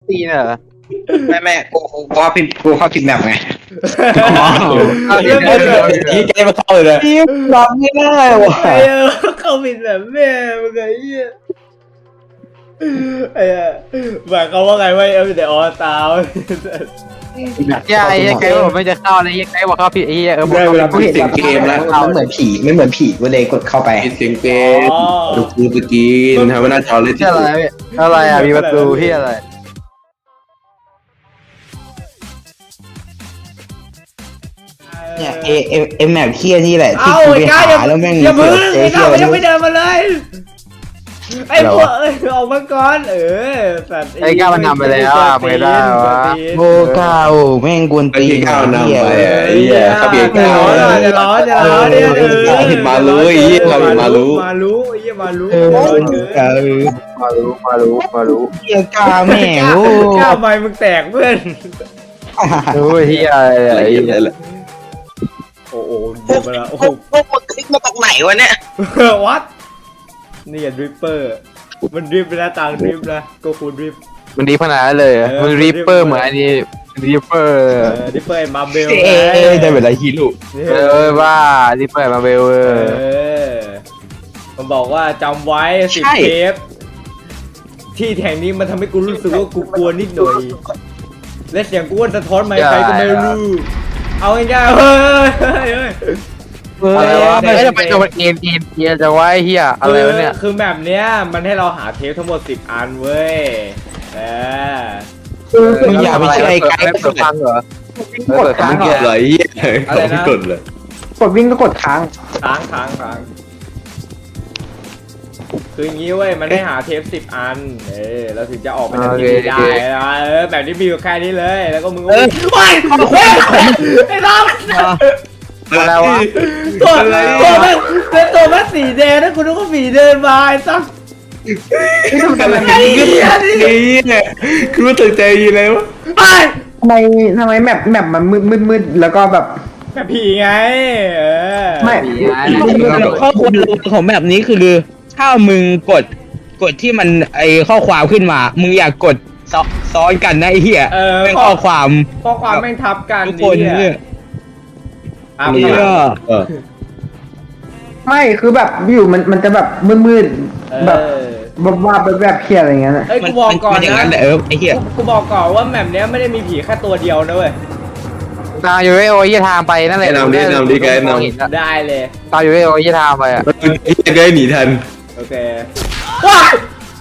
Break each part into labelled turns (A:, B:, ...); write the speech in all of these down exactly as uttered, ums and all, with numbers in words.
A: ตีเนอะ
B: แม่แม่กูกูเข้าผิดกูเข้าผิดแบบไง
C: เรื่องมันแบบ
D: ยี่แกมาเข้าเลยนะ
A: ตีรับไม่ได้ว่ะ
C: ไอ้เออเข้าผิดแบบแม่มึงไอ้เหี้ยไอ้เหี้ยหมายเขามว่าไงว่าเอฟแต่ออตา
A: ยายยังไงผมไม่จะเข้าเลยยังไงบอกเข้าผิดไอ้เหี้ยเออ
D: ได้เวลา
B: กูเห็นแบบเกมแล้วมันเหมือนผีไม่เหมือนผีกูเลยกดเข้าไป
D: ปิดเสียงเกมดูกูสกีนทำให้หน้าจอเลย
A: ที่อะไรอะไรอ่ะมีประตูที่อะไร
B: เนี่ยเอเอเอแมปเทียนี่แหละที่
C: เอ้า
B: กู
C: ไอ้
B: ไป
C: ก้า
B: หา
C: อย่า
B: แล้วแม่ง
C: อย่าพึ่ง
B: เจอ
C: ไอ้
B: เที
C: ก้าย มันยัง
B: ไม่
C: ไม่เดินมาเลยไอ้พวกเอ้ยออกมาก่อนเออสัตว์
A: ไอ้ก้ามันนำไปแล้วอ่ะไม่ได้วะ
B: โอ้ก้าวแม่งกวน
D: ไอ้
B: ตีน
D: ที่ข้าวนำ
B: เหี้ย
D: ไปอ่ะไอ้เหี้ยข้าเบียร์
C: จะ
D: ข้าว
C: ร้อนจะร้อนจะร้อนเนี่ยเออ
D: เห็นมารู้ไอ้เหี้ยเราเห็นมารู้
C: มารู้ไอ้เหี้ยมารู้
B: เออ
C: ร้อนเกิน
B: เออ
A: มารู้มารู้มารู้
B: เหี้ยก้าแม่งโอ้
C: ก้าวไม้มึงแตกเพื่อน
A: รู้เหี้ยอะไร
D: อะไร
A: ไอ้
D: เหี้
A: เหี้
D: ย
A: ย
D: อะไร
C: โอ้โหเดินมาแล้วโอ้โห
B: พวกมึงคลิกมาจากไหนวะเนี่ย
C: วัดนี่อย่าดริปเปอร์มันดริปไปแล้วต่างดริปนะก็คูดริป
A: มันดีขนาดนั้นเลยมึงรีปเปอร์เหมือนอันนี้รีปเปอร์
C: เออดริปเปอร์มาเบล
B: เอ้ยได้เวลาฮีโร่
A: เออว่ารีปเปอร์มาเบลเอ
C: เอ
A: อ
C: อมันบอกว่าจำไว้สิบเทปที่แห่งนี้มันทำให้กูรู้สึกว่ากูกลัวนิดหน่อยและเสียงกูว่าสะท้อนมาใครก็ไม่รู้เอาง่ายๆเฮ้ยเฮ้ยเฮ้ย
A: อะไรวะไม่จะไปตัวเอ็นเอ็นเอ็นจะไว้เฮียอะไรวะเนี่ย
C: คือแบบเนี้ยมันให้เราหาเทปทั้งหมดสิบอันเว้ยเออ
B: มึงอย่าไปเชื่อไอ้ไกด์
A: เปิดฟังเหรอ
B: กดค้าง
D: ไม่กดเลยเหี้ยไม่กดเลย
B: กดวิ่งก็กดค้าง
C: ค้างค้างค้างคืออย่างงี้เว้ยมันให้หาเทปสิบอันเออเราถึงจะออกไปจากที่นี่ได้นะเออแบบนี้มีอยู่แค่นี้เลยแล้วก็มึงก็วิ่งไปไอ้น้อง
A: อะไรวะ
C: ตัวตัวแม่เป็นตัวแม่สีแดงนะคุณนึกว่าสีเดินมาไอ้สัสไอ้เหี้ยนี่
D: เนี่ยคือว่าตื่นใจยีเลยวะ
C: ไป
B: ทำไมทำไมแมปแมปมันมืดมืดมืดแล้วก็แบบ
C: แบบผีไงเออ
B: ไม่
E: ข้อควรของแบบนี้คือถ้ามึงกดกดที่มันไอข้อความขึ้นมา มึงอยากกดซ้อซ้อนกันนะไอ้เหี้ย
C: เออ
E: เป็นข้อความ
C: ข้อความแม่งทับกัน
E: ทุกคน
C: นี่
E: เนี่ย
C: อ่ะ
E: เหี้ย
D: เออ
B: ไม่คือแบบอยู่มันมันจะแบบมืดมืด
C: เอ
B: แบบ
C: อ
B: แบบว่าแบบแบบเพี้ยอะไรเงี้ยนะ
C: เอ้ยกูบอกก่อน
E: มันอย่าง
C: นะ
E: นั้นแหละเออไอ้เหี้ย
C: กูบอกก่อนว่าแมปเนี้ยไม่ได้มีผีแค่ตัวเดียวนะเว้ย
A: ตามอยู่ไอ้โอ้ยทางไปนั่นแหละ
D: นำดินำดิไกด์นำ
C: ได้เลย
A: ตามอยู่ไอ้โอ้ยทางไปอ่ะ
D: ไอ้ไกด์หนีทัน
C: โอเคว้าย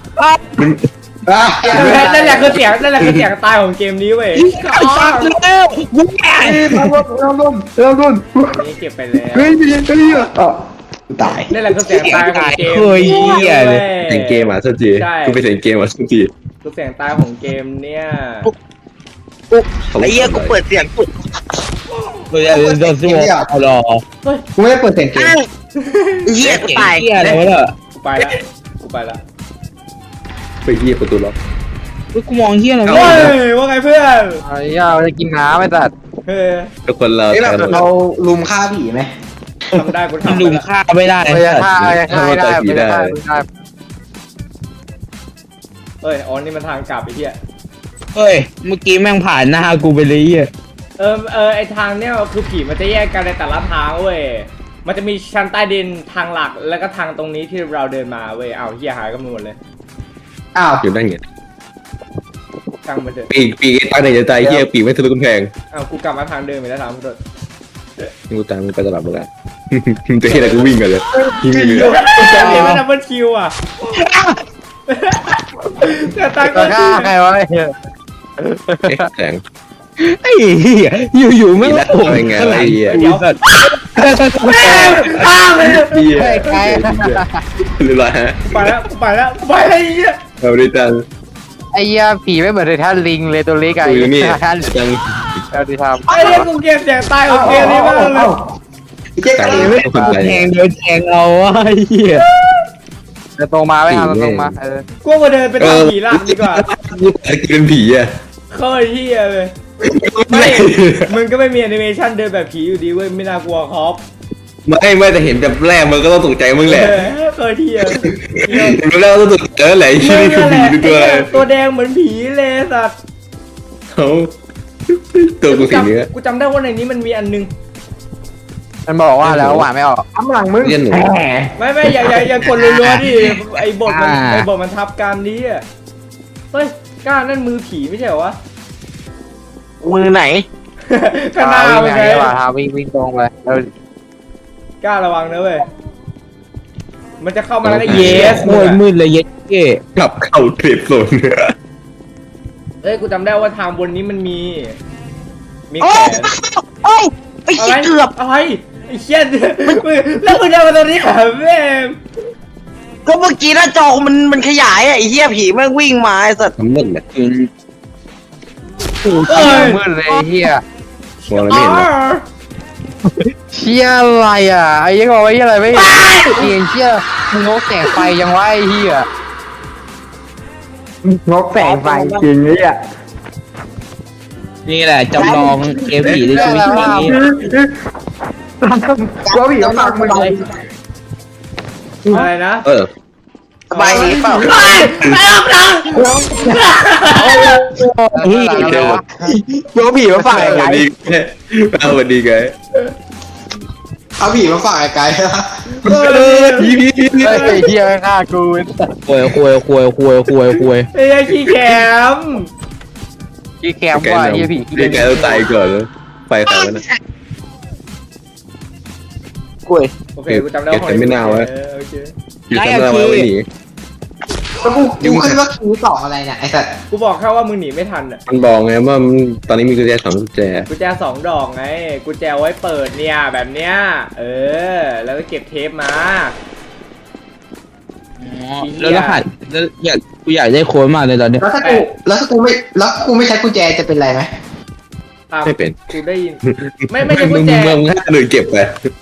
C: นั่นแหละคือเสียงนั่นแหละคือเสียงตายของเกมนี้เว้ย
E: ตัดแล้วกูแก่
B: เราลุ้นเราลุ้นเราลุ้น
C: นี่เก็บไปแล้ว
B: เฮ้ยเฮ้ยเฮ้ยอ๋อตาย
C: นั่นแหละคือเสียงตายของเกม
E: เคยเหี้ยเลย
D: เสียงเกมอ่ะสักทีกูไปเสียงเกมอ่ะสักที
C: คือเสียงตายของเกมเนี่ย
B: ไอ้เหี้ยกูเปิดเสียงกู
E: กูจะโดนสู้รอ
B: กูไม่ได้เปิดเสียงเกมเหี้ยกูตาย
E: เหี้ยอะไรวะเนี่ย
C: กูไปละกูไปละ
D: ไปเหี้ยประตูล็อก
E: กูมองเหี้ยอะไร
C: เฮ้
E: วะ
C: ยว่าไงเพื่อน
A: ไอ้ยาจะกินน้ำไม่ตัด
C: เฮ้ย
D: ทุกคนเรา
B: เราลุมฆ่าผีไหม
C: ทำได้กู
E: มัน
C: ทำ
E: ลุมฆ่าไม่ได้
A: ไม่ได้ฆ่าไม่ได้ฆ่าไม่ได้ไม่ได้ไม่ได้
C: เฮ้ยอ๋อนี่มันทางกลับไอ้เหี้ย
E: เฮ้ยเมื่อกี้แม่งผ่านหน้ากูไปเลยเหี้ย
C: เออเออไอทางเนี้ยคือผีมันจะแยกกันในแต่ละทางเว้ยมันจะมีชั้นใต้ดินทางหลักแล้วก็ทางตรงนี้ที่เราเดินมาเว้ยเอาเหี้ยหายกันหมดเลย
B: อ้าว
D: อยู่นั่นไง
C: ช่างมันเถอะ
D: ปีกปีกไอ้ตั้งในใจเหี้ยปีกไม่ทะลุกำแพง
C: เอากูกลับมาทางเดิมอีกแล้วทางมันเถอะ
D: กูตามมึงไปตลอดเวลาจะเห็นอะไรกูวิ่งกันเลยวิ่งไปเลย
C: เห็นไหมดับเบิลคิวอ่ะแต่ตายก็
A: จะฆ่าใครวะไอ้เหี้ย
D: แสง
E: ไอ้เหี้ยอยู่ๆแม่ง
D: แล้วเป็นไงไอ้เหี้ย
E: ไอ้สัตว์
C: อ้าวเลย
D: เหี้ยเรียบร้อยฮะ
C: ไปแล้วไปแล้วไปแล้วไอ้เหี้ย
D: เอาดิจัง
A: ไอ้เหี้ยผีไม่เหมือนในท่านลิงเลยตัวเล็กไอ้
D: กูอยู่นี่
A: ท่าน
D: จัง
A: เราดีทำ
C: ไอ้เหี้ยกูเกลียดเสียงตายของเกมนี้มากเลย
B: เจ๊
D: ใจ
B: กัน
D: ไม่คนใจ
E: แทงโดนแทงเอาไอ้เหี้ย
A: จะตรงมาไม่ทำตรงมาเออ
C: กูมาเดินไปทางผีหลักดีกว่า
D: ไอ้กินผีอ่ะ
C: เคยเหี้ยเลยไม่มึงก็ไม่มีแอนิเมชันเดินแบบผีอยู่ดีเว้ยไม่น่ากลัวครับ
D: ไม่ไม่แต่เห็นแบบแรกมันก็ต้องตกใจมึงแหละ
C: เออเคยเที่ยว
D: เห็นแบบแรกก็ต้องตกใจแหละไอ้ชื่อนี่คือผีหรือตัวอะไร
C: ตัวแดงเหมือนผีเลยสัตว์
D: เขาตัวกูสีเนื้อ
C: กูจำได้ว่าในนี้มันมีอันนึง
A: มันบอกว่าแล้วหวานไม่ออก
B: ทำหลังมึง
D: เรียนหนู
B: แหม
C: ไม่ไม่อย่าอย่าอย่ากดรัวๆดิไอ้บทมันไอ้บทมันทับการนี้อ่ะเฮ้ยกล้านั่นมือผีไม่ใช่เหรอวะ
E: มือไหน
C: ข้างหน้า
A: วิ่ง
C: เป็น
A: ไง
C: ไง
A: วะวิ่งวิ่งตรงไปแล้ว
C: กล้าระวังนะเว้ยมันจะเข้ามาแล้วก็
E: เย้
C: เยส
E: โคตรมืดเลยเย็ดเก้
D: กลับเข้าเทรดโซน
C: เอ้ยกูจำได้ว่าทางบนนี้มันมี มีแขน
E: โอ้ยไอ้
C: อะไร
E: เหี้ยเกือบ
C: อะไรไอ้เชี่ยมึงแล้วมึงเดินมาตรงนี้เหรอแม่ง
E: ก็เมื่อกี้หน้าจอมันมันขยายอะไอ้เหี้ยผีแม่งวิ่งมาไอ้สัตว์
D: ทำมึนเนี่ย
A: โอ้โหมืดเลยเฮีย
D: มองอะไรไม่เห็นเลย
A: เชี่ยอะไรอ่ะไอ้ยังบอกว่าเฮียอะไรไม่เกียงเชี่ยมึงงกแสงไฟยังวะไอ้เฮีย
B: งกแสงไฟจริงเลยอ่ะ
E: นี่แหละจำลองเกมผีในชีวิตจริงนี้
B: กลัวผีมาฝากมึงเลย
C: อะไรนะ
D: เออ
E: สบายดีเปล่า
C: ไอ้ไอ้ออกหลัง
A: เฮียอะไรวะ
B: กลัวผีมาฝาก
D: ส
B: ไอ้
D: วัส
B: ไก่
D: ดีแกสวัสดีแก
B: เอาผีมาฝากไอ้ไก่
C: เออ
D: ผีผีผีผี
A: ไอ้เฮียฆ่ากู
E: ควยควยควยควยควยควย
C: ไอ้ขี้แคม
A: ยี่แคมว่าเฮียผี
D: แกต้องตายก่อนแล้วไฟใครวะนะ
E: ควย
C: โอเคกูจำได้
D: เก็บแต่ไม่น่าวะ
C: เออโอเค
D: อยู่ชั้นอะไรวะไม่หนี
B: แล้วกูกูขึ้นว่าคิวสองอะไรเนี่ยไอ้สัตว์
C: กูบอกแค่ว่ามึงหนีไม่ทันอ่ะ
D: มันบอกไงว่ามันตอนนี้มีกุญแจสองกุญแจ
C: กุญแจสองดอกไงกุญแจไว้เปิดเนี่ยแบบเนี้ยเออแล้วก็เก็บเทปมา
E: แล้วรหัสแล้วอยากกูอยากได้โค้ดมากเลยตอนนี้
B: แล้วถ้ากูแล้วถ้ากูไม่แล้วกูไม่ใช้กุญแจจะเป็นไรไหม
C: ตาม
D: ไม่เป็น
C: กูได้ยินไม่ไม่ใช่กุ
D: มึ
C: ญ
D: ง
C: แจ
D: มึงให้คนอื่นเก็บไป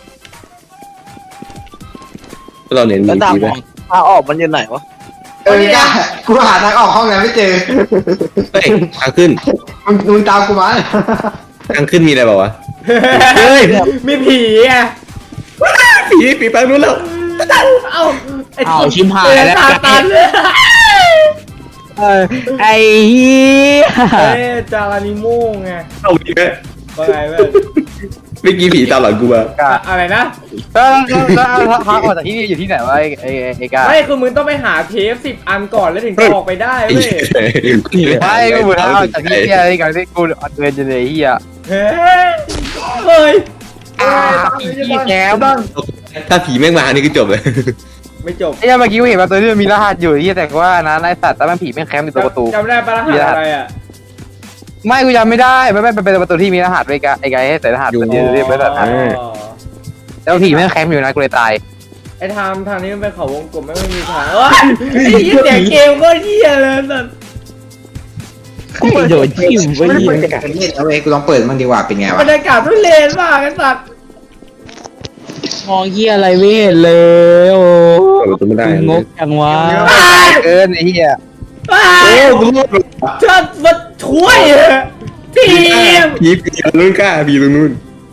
D: เราเน้นมีผีไหม
E: ทางออกมันอยู่ไหนวะ
B: เออก้ากูหาทางออกห้องนั้นไม่เจอ
D: เฮ้ยทางขึ้น
B: มึงมึงตามกูมา
D: ทางขึ้นมีอะไรเปล่าวะ
C: เฮ้ยมีผีอ่ะ
D: ผีผีไปนู้นแล้ว
C: เอ้าไอ้
E: อ้าวชิมหาย
C: เออ
E: แล้ว
C: ตาตันเลย
E: เออไอ้เหี้ย
C: เอ้ยจารานิโม่ไง
D: เอาดีไหม
C: ว่าไงเว้ย
D: เมื่อกี้ผีตามหลังกูมา
C: อะอะไรนะ
A: แล้วแล้วพักออกจากที่นี่อยู่ที่ไหนวะไอ้ไอ้ไอ้กา
C: ไม่คือมึงต้องไปหาเทปสิบอันก่อนแล้วถึงจะออกไปได้
D: ไอ้
C: เว้ย
A: ไม่กูเหมือนพักออกจากที่นี่ไอ้การที่กูเดินจะเลยเฮีย
C: เฮ้ยเฮ้ย
A: อ่าพี่แคม
D: ถ้าผีแม่งมานี่ก็จบเลย
C: ไม่จบ
A: ไอ้เมื่อกี้กูเห็นว่าตัวนี้มันมีรหัสอยู่ที่แต่ว่านะไอ้สัตว์แต่มันผีแม่งแคมป์อยู่ตัวประตู
C: จำได้ปะรหัสอะไรอ่ะ
A: ไม่กูจำไม่ได้ไม่ไม่เป็นประตูที่มีรหัสไอ้กาไอ้กาให้ใส่รหัสมันเรียกไม่ได้
C: อ๋อ
A: แล้วผีแม่งแคมป์อยู่นะกูเลยตาย
C: ไอ้ทางทางนี้มันเป็นเขาวงกลมไม่ไม่มีทางเอ้ยไอ้เหี้ยเสียงเกมก็เหี้ยเลยสัส
E: กูโดนจิ้มไป
B: ไม่ได้
E: ยิ
B: เปิด
E: ง
B: แต่กันเล่นเอาเว้ยกูลองเปิดมันดีกว่าเป็นไง
C: บร
B: วะ
C: รยากาศทุเรศมากไอ้สัส
E: มองเหี้ยอะไรไม่เห็นเลยโอ้
D: เปิดประตูไม่ได้
E: งกจังวะ
A: เกินไอ้เหี้ย
C: ว้า
D: โอ้
C: ว
D: กูรอด
C: เชิดมาช่วยทีม
D: ผีผีตรงนู้นกล้าผีตรงนู้น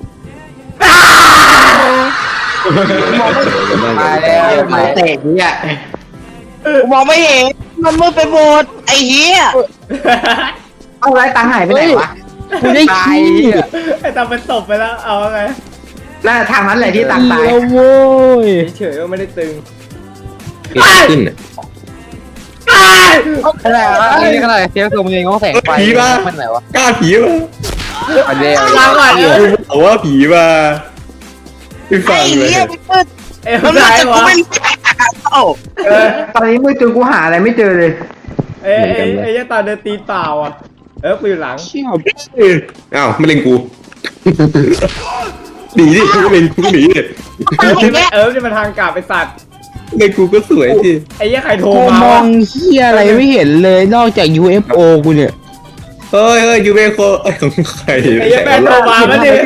A: ตายแล้ว
B: มาเตะเนี่ย
E: กูมองไม่เห็นมันมืดไปหมดไอ้เหี้ย
B: เอาไรตังหายไปไหนวะ
E: กูได้
A: ตาย
E: ขี้
A: เหี้ย
C: ไอ้ตาเป็นศพไปแล้วเอาไง
B: น่าทางนั้นแหละที่ตังตาย
E: แล้วโว้ย
C: เฉยๆว่าไม่ได้ตึง
D: ขึ้นอ่ะ
A: ขนาดนี้ขนาดเทียบตัวมึงเองก็แสงไฟมันไหนวะ
D: กล้าผีมา
A: อันเดียว
C: ลาก่อนเออ
D: บอกว่าผีมาไม่ฟั
E: ไอ้
D: งเลย
E: เหี้ยมันมืด
C: เอ้ย
E: มัน
C: ไม่
E: มืด
C: ได้
E: แต่กู
C: วะ
E: ไม่รู้จะหาเข้า
B: เออตอนนี้มือจนกูหาอะไรไม่เจอเลย
C: เอ้ยเอ้ยเอ้ยตาเดินตีเปล่าอ่ะเออกูอยู่หลัง
E: เชี่ย
D: อ้าวไม่เล่นกูหนีดิไม่เล่นกูหนีดิ
C: เออนี่มันทางกลับไปสัตว์
D: เล่นกูก็สวยสิ
C: ไอ้เหี้ยใครโทร
E: กู
C: มาม
E: อ
C: วะ
E: งเหี้ยอะไรไม่เห็นเลยนอกจาก ยู เอฟ โอ กูเนี่ย
D: เฮ้ยเฮ้ยยูเบโคไอ้ของใคร
C: ไอ้เหี้ยแม่งโทรมาแล้วเนี่ย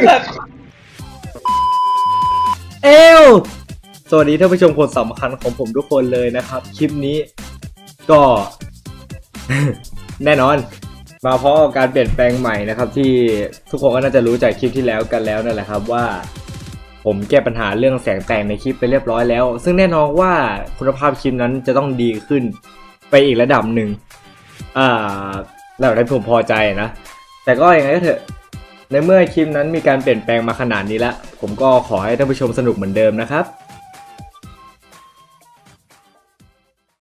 C: เอวสวัสดีท่านผู้ชมคนสำคัญของผมทุกคนเลยนะครับ คลิปนี้ก็ แน่นอน มาเพราะกับการเปลี่ยนแปลงใหม่นะครับ ที่ทุกคนก็น่าจะรู้จากคลิปที่แล้วกันแล้วนั่นแหละครับว่า ผผมแก้ปัญหาเรื่องแสงแต่งในคลิปไปเรียบร้อยแล้ว ซึ่งแน่นอนว่าคุณภาพคลิปนั้นจะต้องดีขึ้นไปอีกระดับหนึ่งอ่าระดับที่ผมพอใจนะแต่ก็ยังไงก็เถอะในเมื่อคลิปนั้นมีการเปลี่ยนแปลงมาขนาดนี้แล้วผมก็ขอให้ท่านผู้ชมสนุกเหมือนเดิมนะครับ